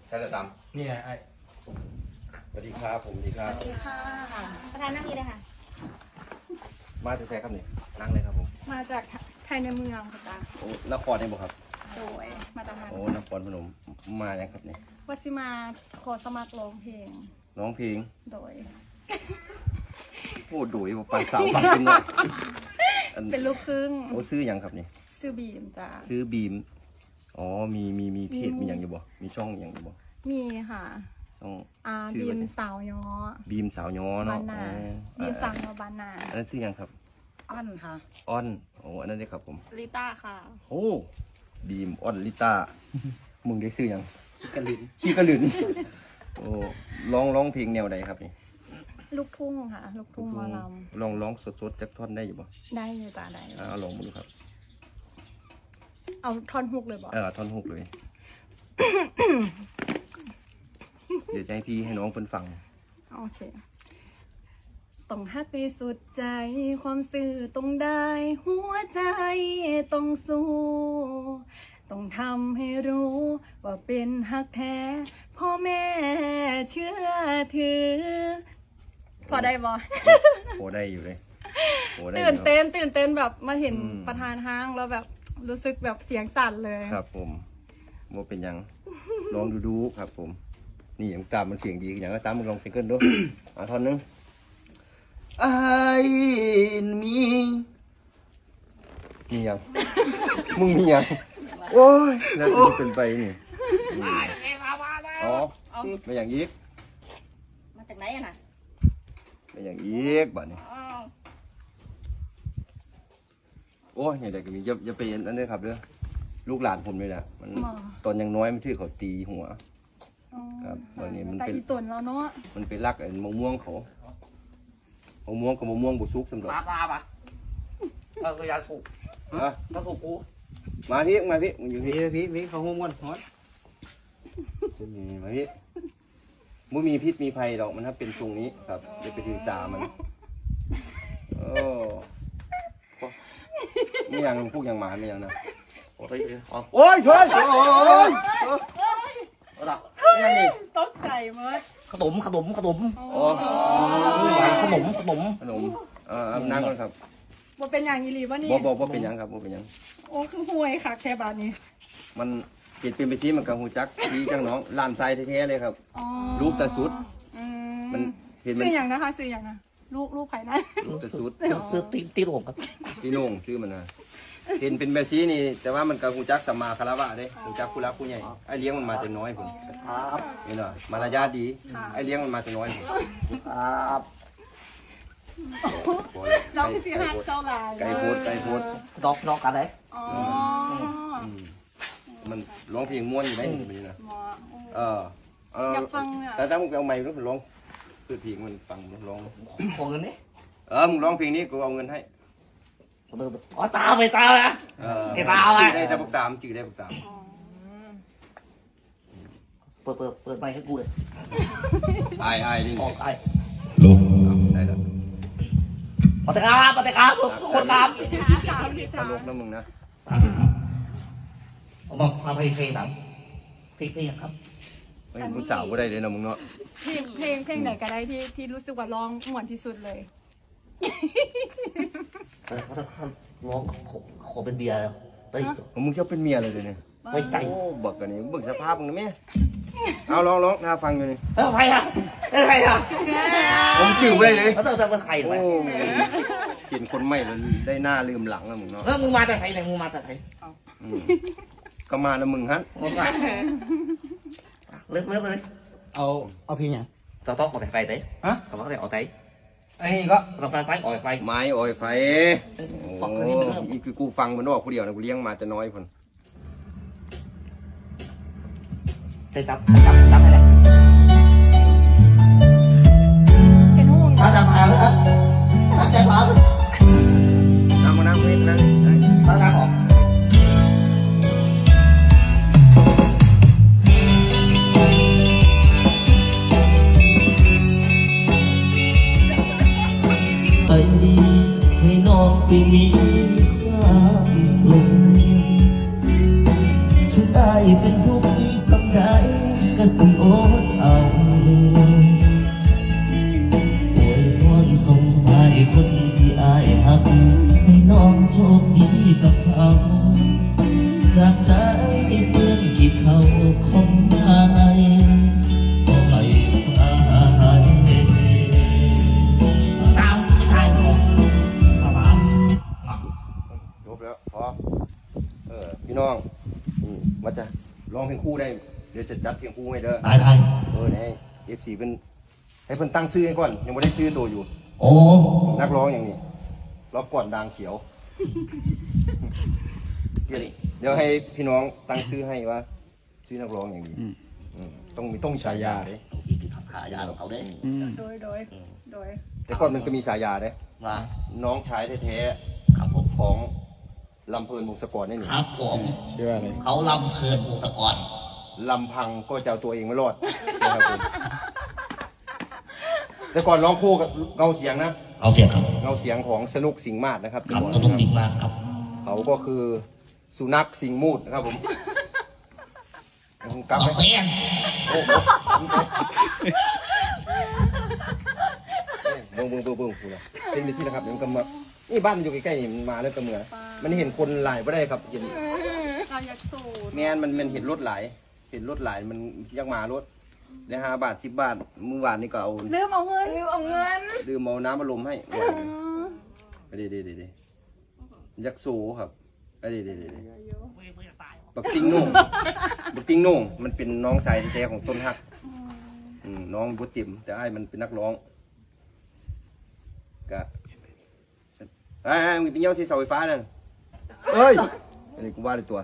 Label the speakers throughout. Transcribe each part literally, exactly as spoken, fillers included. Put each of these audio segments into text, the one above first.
Speaker 1: ใช่เลยตาม
Speaker 2: นี่ไงไอ้
Speaker 1: สวัสดีครับผมสวัสดีครับ
Speaker 3: สวัสดีค่ะประธานนั่งนี้เลยค่ะ
Speaker 1: มาจากไหนครับนี่นั่งเลยครับผม
Speaker 3: มาจากไทยในเมืองค่ะจ้า
Speaker 1: โอ้นครนี่บ่ครับ
Speaker 3: โดยมาจากนั้น
Speaker 1: โอ้นครพนมมายังครับนี่
Speaker 3: วัชิมาขอสมัครร้องเพลง
Speaker 1: ร้องเพลง
Speaker 3: โดย
Speaker 1: พูดดุยบ่ปานสาวปานเป็นเนาะอัน
Speaker 3: เป็นลูกครึ่ง
Speaker 1: โอ้ซื้อหยังครับนี่
Speaker 3: ชื่อบีมจ้า
Speaker 1: ซื้อบีมอ๋อมีมีมีเพจ
Speaker 3: มี
Speaker 1: มีหยังอยู่บ่มีช่องหยังอยู่บ่
Speaker 3: มีค่ะ
Speaker 1: ช่อง
Speaker 3: อ่า
Speaker 1: ชื่อ
Speaker 3: บี
Speaker 1: ว่าม ไง
Speaker 3: สาวย้อ
Speaker 1: บีมสาวย้อเนาะ
Speaker 3: บานนา
Speaker 1: อ๋อ
Speaker 3: บีมสาวย้อบานนา
Speaker 1: อันนั้นซื้อหยังครับ
Speaker 4: อ้อนค่ะ
Speaker 1: อ้อนโอ้อันนั้นได้ครับผม
Speaker 3: ลิต้าค่ะ
Speaker 1: โอ้บีมอ้อนลิต้ามึงได้ซื้อหยัง
Speaker 2: กระลิน
Speaker 1: ขี้กระหลืนโอ้ร้องร้องเพลงแนวใดครับนี่
Speaker 3: ลูกทุ่งค่ะ ลูกทุ่งหมอล
Speaker 1: ลองร้องสดๆจักท่อนได้อยู่บ่
Speaker 3: ำได้อยู่จ้าได้อยู่
Speaker 1: เอาลองมาดูครับ
Speaker 3: เอาท่อนฮุกเลยบอก
Speaker 1: เออท่อนฮุกเลย เดี๋ยวจะให้พี่ให้น้องเพิ่นฟัง
Speaker 3: โอเคต้องฮักไปสุดใจ ความสื่อต้องได้ หัวใจต้องสู้ ต้องทำให้รู้ ว่าเป็นฮักแท้ พ่อแม่เชื่อถือ พอได้บอ
Speaker 1: โอ้ได้อยู่เลยโอ้ได้อยู่
Speaker 3: ตื่นเต้นตื่นเต้นแบบมาเห็น
Speaker 1: อืม
Speaker 3: ประธานห้างแล้วแบบรู้สึกแบบเสียงสั่นเลย
Speaker 1: ครับผมโมเป็นหยังลองดูดูครับ ผม นี่อย่างตามมันเสียงดีอย่างก็ตามมึงลองซิงเกิลดู อ่าท่อนหนึง I มีมียัง มึงมียังโอ้ยน่าจะเป็นไปนี่อ๋อไม่อย่างอีก
Speaker 3: มาจากไหนอะน่ะ
Speaker 1: ไม่อย่างอีกบัดนี้โอ้ยอย่างไรก็มีอย่าอย่าไปอันนั้นด้วยครับเด้อลูกหลานผมเลยแหละมันตอนยังน้อยมันชื่อเขาตีหัว ครับวันนี้มันเป็น
Speaker 3: แต่อีตุนแล้วเนาะ
Speaker 1: มันไปรักไอ้มะม่วงเขามะม่วงกับมะม่วงบุซุกสำหรับ
Speaker 4: ปลาปลาปะเออก็ยาสูบ
Speaker 1: ฮะ
Speaker 4: ก็สูบกู
Speaker 1: มาพี่มาพี่มึงอยู่
Speaker 4: พี่
Speaker 1: พี่
Speaker 4: พี่พี่เขาหุ้มกันฮอต
Speaker 1: นี่มาพี่มึงมีพิษมีภัยดอกมันถ้าเป็นทรงนี้ครับเดี๋ยวไปถือสามันโอ้ไม่ยังพวกยังหมาไม่ยังนะ
Speaker 4: โอ้ยอ๋อ
Speaker 1: โอ้ยช่วยโอ้ย
Speaker 4: เอาละ
Speaker 1: ไม่ยังนี่
Speaker 3: ตกใจเมิด
Speaker 4: ขนมขนมขนม
Speaker 1: โอ้
Speaker 4: ขนมขนม
Speaker 1: ขนมเออนั่งก่อนครับ
Speaker 3: ว่าเป็นอย่างอีหลีวะนี่
Speaker 1: บ่บ่บ่เป็นหยังครับบ่เป็นหยัง
Speaker 3: โอ้คือห่วยค่ะแค่บาทนี้
Speaker 1: มันเกิดเป็นไปที่มันกับหูจักดีจังน้องลานทรายแท้ๆเลยครับ
Speaker 3: อ๋อ
Speaker 1: รูปแต่สุด
Speaker 3: อื
Speaker 1: มันเห็นมัน
Speaker 3: ซื้ออย่างนะคะซื้ออย่างนะลูกลูกไผ่นะ
Speaker 1: รูปแต่สุด
Speaker 4: ซื้อตีตีโอ่งครับ
Speaker 1: พี่โหน่งชื่อมันนะเห็นเป็นแบบนี้นี่ แต่ว่ามันกับหูจักสัมมาคารวะเด้หูจักผู้รักผู้ใหญ่ไอ้เลี้ยงมันมาแต่น้อยผม
Speaker 4: ครับ
Speaker 1: นี่เนาะมารยาทดีไอ้เลี้ยงมันมาแต่น้อยผม
Speaker 4: ครับ
Speaker 3: เราพี่ซื้อหักเท่าไหร่
Speaker 1: ไก่โพดไก่โพด
Speaker 4: ดอกดอกกันเลย
Speaker 3: อ๋อ
Speaker 1: อืมมันร้องเพลงม้วนอยู่ไหมแบบนี้นะ
Speaker 3: หมอ
Speaker 1: เออเออ
Speaker 3: อยากฟังเนี่ย
Speaker 1: แต่ถ้ามึงไปเอาไมค์มึงร้องคือเพลงมันฟังมึงร้อง
Speaker 4: ของเงินนี่
Speaker 1: เออมึงร้องเพลงนี้กูเอาเงินให้
Speaker 4: อ๋อตาไปตาละ
Speaker 1: เออ
Speaker 4: ไอ้ตาอะไร
Speaker 1: จื่อได้แต่พวกตามจื่อได้พวกตาม
Speaker 4: เปิดเปิดเปิดไมค์ให้กูเลย
Speaker 1: ไอ้ไอ้นี่
Speaker 4: ออกไอ้
Speaker 1: ได้แล้ว
Speaker 4: ปฏิกาปฏิกาทุกคนตาม
Speaker 3: ถามพี่
Speaker 1: ต
Speaker 3: ถาม
Speaker 1: ลกนะมึงนะ
Speaker 4: ผมบอกความเพลงเพลงหนังเพลงเพลงครับ
Speaker 1: ไม่เห็นผู้สาวก็ได้เลยนะมึงเนาะ
Speaker 3: เพลงเพลงเพลงไหนก็ได้ที่ที่รู้สึกว่าร้องม่วนที่สุดเลย
Speaker 4: เขาจะร้องขอเป็นเบียร์เฮ้ย
Speaker 1: มึงชอบเป็นเมียเลยเดี๋ยวนี้
Speaker 4: เฮ้ยใจ
Speaker 1: โอ้บอกกันนี่เบิ่งสภาพมึงนะแม่เอาร้องร้องถ้าฟังอยู่นี่
Speaker 4: เฮ้ยใครอ่ะเฮ้ยใครอ่ะ
Speaker 1: ผมจื่อไว้เลย
Speaker 4: เขาจะจะเป็นใครหรือ
Speaker 1: โอ้
Speaker 4: ไง
Speaker 1: กินคนใหม่แล้วได้หน้าลืมหลังแล้วมึงเนาะ
Speaker 4: เออมึงมาจากไหนเนี่ยมึงมาจากไหน
Speaker 1: อืมก็มาแล้วมึงฮะ
Speaker 4: มึงมาเลิกเลิกเลย
Speaker 2: เอาเอาเพลงยัง
Speaker 4: tao tốt một thầy đấy
Speaker 2: ฮะ
Speaker 4: tao có thể ở đấy
Speaker 2: ไอ้นี่ก็
Speaker 4: tao phải phải ở phải
Speaker 1: ไม้อ้อยไฟ
Speaker 4: ฟัง
Speaker 1: โอ้
Speaker 4: คนนี้เพิ่ม
Speaker 1: อีคือกูฟังมันนอกกูเดียวนะกูเลี้ยงมาแต่น้อยคน
Speaker 4: chơi tập tập tập này này
Speaker 3: เห็นห่วง
Speaker 4: tao tập à nữa tao chạy vào
Speaker 1: นั่งมานั่งเว้ยนั่ง
Speaker 4: tao ra một
Speaker 5: ไปให้น้องไปมีความสุขฉันตายเป็นทุกข์สำใดก็สิอดเอาอวยพรส่งท้ายคนที่อายหักให้น้องโชคดีกับเขาจากใจเปื้อนกี่เขาของอายก็ให้อาย
Speaker 4: ตามไม่ทายผมเอามา
Speaker 1: จบแล้วพอเออพี่น้องนี่มาจะร้องเพลงคู่ได้เดี๋ยวจะจัดเพลงคู่ให้เด้อ
Speaker 4: ตายตาย
Speaker 1: เออให้เอฟซีเป็นให้เพิ่นตั้งชื่อให้ก่อนยังไม่ได้ชื่อตัวอยู่
Speaker 4: โอ้
Speaker 1: นักร้องอย่างนี้ร้องก่อนดังเขียวเดี๋ยวเดี๋ยวให้พี่น้องตั้งชื่อให้ว่าชื่อนักร้องอย่างนี้อืมต้องมีต้องมีฉายาเด้
Speaker 4: ที่ที่หายาของเขาได้
Speaker 3: โดยโดยโดย
Speaker 1: แต่ก่อนมันก็มีฉายาเด้
Speaker 4: ว่า
Speaker 1: น้องชายแท้
Speaker 4: ครับผม
Speaker 1: ๆของลำเพลินวงศกรนี่นี่
Speaker 4: ครับผม
Speaker 2: ชื่ออะไร
Speaker 4: เขาลำเพลินวงตะกอน
Speaker 1: ลำพังก็จะเอาตัวเองไม่รอดนะครับผมแต่ก่อนร้องคู่กับเงาเสียงนะ
Speaker 4: เอาเสียงครับ
Speaker 1: เงาเสียงของสนุกสิงห์มาศนะครับ
Speaker 4: ครับก็ต้องดีมากครับ
Speaker 1: เขาก็คือสุนัขสิงห์มูดนะครับผมผมกลับ
Speaker 4: เอา
Speaker 1: ไป
Speaker 4: เปี้ยง
Speaker 1: โอ้โหเบิ้งเบิ้งเบิ้งเบิ้งคุณนะเป็นไปที่นะครับเดี๋ยวมันก็มานี่บ้านมันอยู่ใกล้ๆนี่มันมาแล้วก็เมือมันเห็นคนหลายไม่ได้ครับเห็น
Speaker 3: การยักสูตร
Speaker 1: แมนมันมันเห็นรถหลายเห็นรถหลายมันยักมารถได้ห้าบาทสิบบาทมื้อวานนี่ก็เอา
Speaker 3: ลืมเอาเงินลืมเอาเงิน
Speaker 1: ดื่มเอาน้ำมาลมให้ไปเดี๋ยวเดี๋ยวเดี๋ยวยักษ์โซครับไปเดี๋ยวเดี๋ยวเดี๋ยวบักติงโหน่งบักติงโหน่งมันเป็นน้องสายแท้ๆของต้นฮักอืมน้องบุติมแต่ไอ้ายมันเป็นนักร้องกะไอ้ไอ้มึงเป็นเย้าที่เสาไฟฟ้านั่นเอ้ยอันนี้กูว่าเลยตัว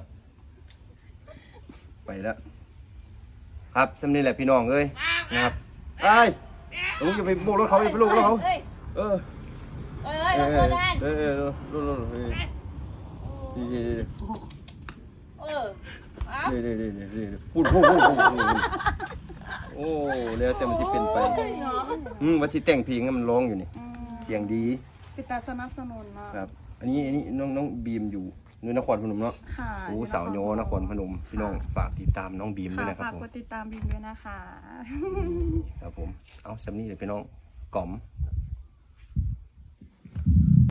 Speaker 1: ไปแล้วครับสำนี่แหละพี่น้องเอ้ยนะครับไอ้ลุงจะไปโบกรถเขาไปโบกรถเขาเออ
Speaker 6: เอ้ยเราโซดาน
Speaker 1: เออเออเออรถรถเฮ้ยดีดีดี
Speaker 6: เออเอา
Speaker 1: ดีดีดีดีดีพูดพูดพูดพูดโอ้แล้วแต่มันจะเป็นไปอืมวันที่แต่งเพลงมันร้องอยู่นี่เสียงดี
Speaker 3: ปิดตาสนับสนุนนะครับ
Speaker 1: อันนี้อันนี้น้องน้องบีมอยู่นนครพนมเนาะ
Speaker 3: ค่ะ
Speaker 1: โอ้สาวโยนครพนมพี่น้องฝากติดตามน้องบีมด้วย
Speaker 3: ค่ะ
Speaker 1: นะครับ
Speaker 3: ฝาก
Speaker 1: ผม
Speaker 3: กดติดตามบิมด้วยนะคะ
Speaker 1: ครับผมเอาสำนี่เลยพี่น้องกล่อม